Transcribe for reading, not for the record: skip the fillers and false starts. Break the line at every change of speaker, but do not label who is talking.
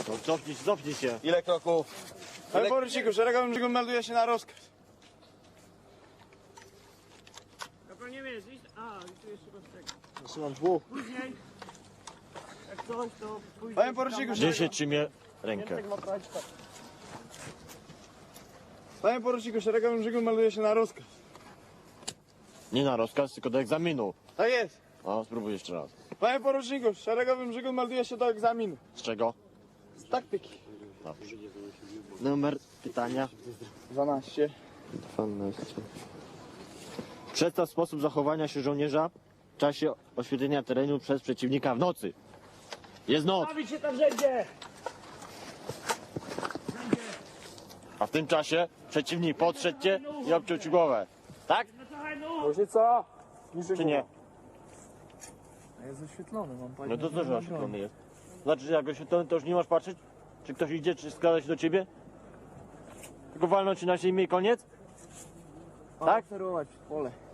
No cofnij się.
Ile kroków?
Panie poruczniku, szeregowym brzegu melduje się na rozkaz.
Dobra, nie wiesz, iść... A, i tu jeszcze rozczekaj.
Trzymam dwóch.
Później, jak coś, to później...
Panie poruczniku,
Gdzie się trzymie rękę?
Panie poruczniku, szeregowym brzegu melduje się na rozkaz.
Nie na rozkaz, tylko do egzaminu.
Tak jest.
O, spróbuj jeszcze raz.
Panie poruczniku, szeregowym brzegu melduje się do egzaminu.
Z czego?
Z taktyki.
Dobrze. Numer pytania?
12.
12. Przedstaw sposób zachowania się żołnierza w czasie oświetlenia terenu przez przeciwnika w nocy. Jest noc,
Bawić się tam wszędzie!
a w tym czasie przeciwnik podszedł cię i obciął ci głowę. Tak?
No trochę no!
Różnica?
Czy nie?
Jest oświetlony, mam panie.
No to co, że oświetlony jest? Znaczy, że jak oświetlony, to już nie masz patrzeć? Czy ktoś idzie, czy składa się do ciebie? Tylko walnąć ci na ziemię i koniec? Tak?
Sterować w pole.